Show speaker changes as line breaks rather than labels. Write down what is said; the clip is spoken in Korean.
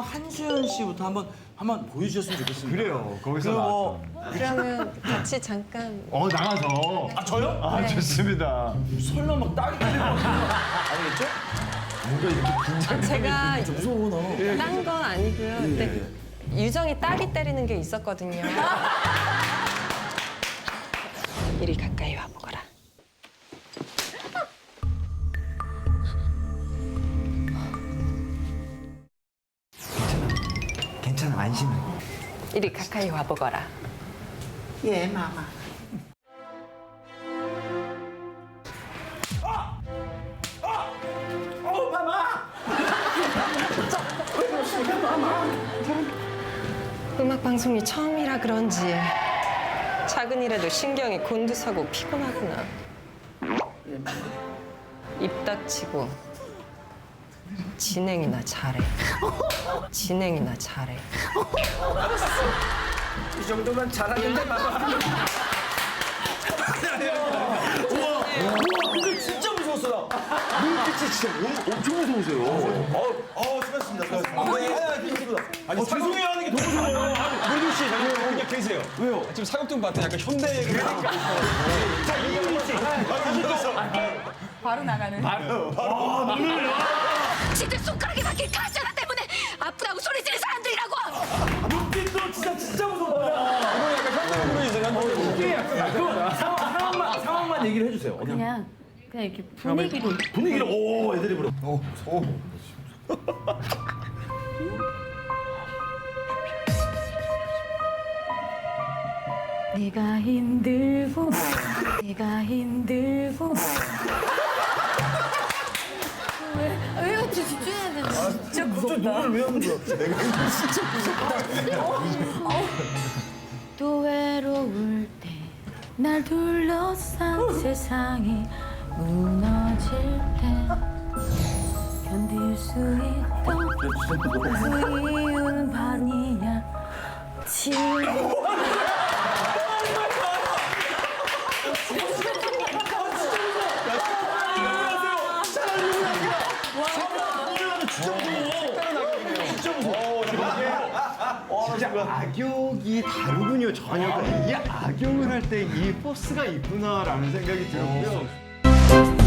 한수연 씨부터 한번 보여주셨으면 좋겠습니다.
그래요. 거기서
그 뭐,
그러면 같이 잠깐.
나가서.
아 저요?
아, 좋습니다.
설마 막 딸이 되는 거 아니겠죠?
뭔가 이렇게 긴장이
제가
무서워 나.
딴 건 아니고요. 근데 유정이 딸이 때리는 게 있었거든요. 이리 가까이 와보거라.
괜찮아, 안심해.
이리 가까이 와보거라.
예, 마마.
음악 방송이 처음이라 그런지 작은 일에도 신경이 곤두서고 피곤하구나. 입 닥치고 진행이나 잘해. 진행이나 잘해.
이 정도면 잘하는데, 마마.
근데 진짜 무서웠어 나. 눈빛이 진짜 엄청 무서우세요. 수고하셨습니다. 수고하셨습니다. 아니 죄송해요 하는 게 더 무서워요. 모르겠 씨, 그냥 계세요. 왜요?
지금 사극동 봤더니 약간 현대 그러니까.
자 이은희 씨.
바로 나가는.
지들 손가락에 박힌 가시나 때문에 아프다고 소리 지르는 사람들이라고.
눈빛도 진짜 무섭다.
이거 약간 현대적으로 이제
상황만 얘기를 해주세요.
그냥 이렇게 분위기로.
분위기를 오 애들이 부러.
내가 힘들고 내가 힘들고. 왜 같이 집중해야 되나? 진짜 무섭다.
눈을 왜 하는 거야? 내가
또 외로울 때 날 둘러싼 세상이 무너질 때 견딜 수 있던 그 이유는 반이야 지금.
진짜 악역이 다르군요, 전혀. 이게 악역을 할 때 이 포스가 있구나라는 생각이 들었고요.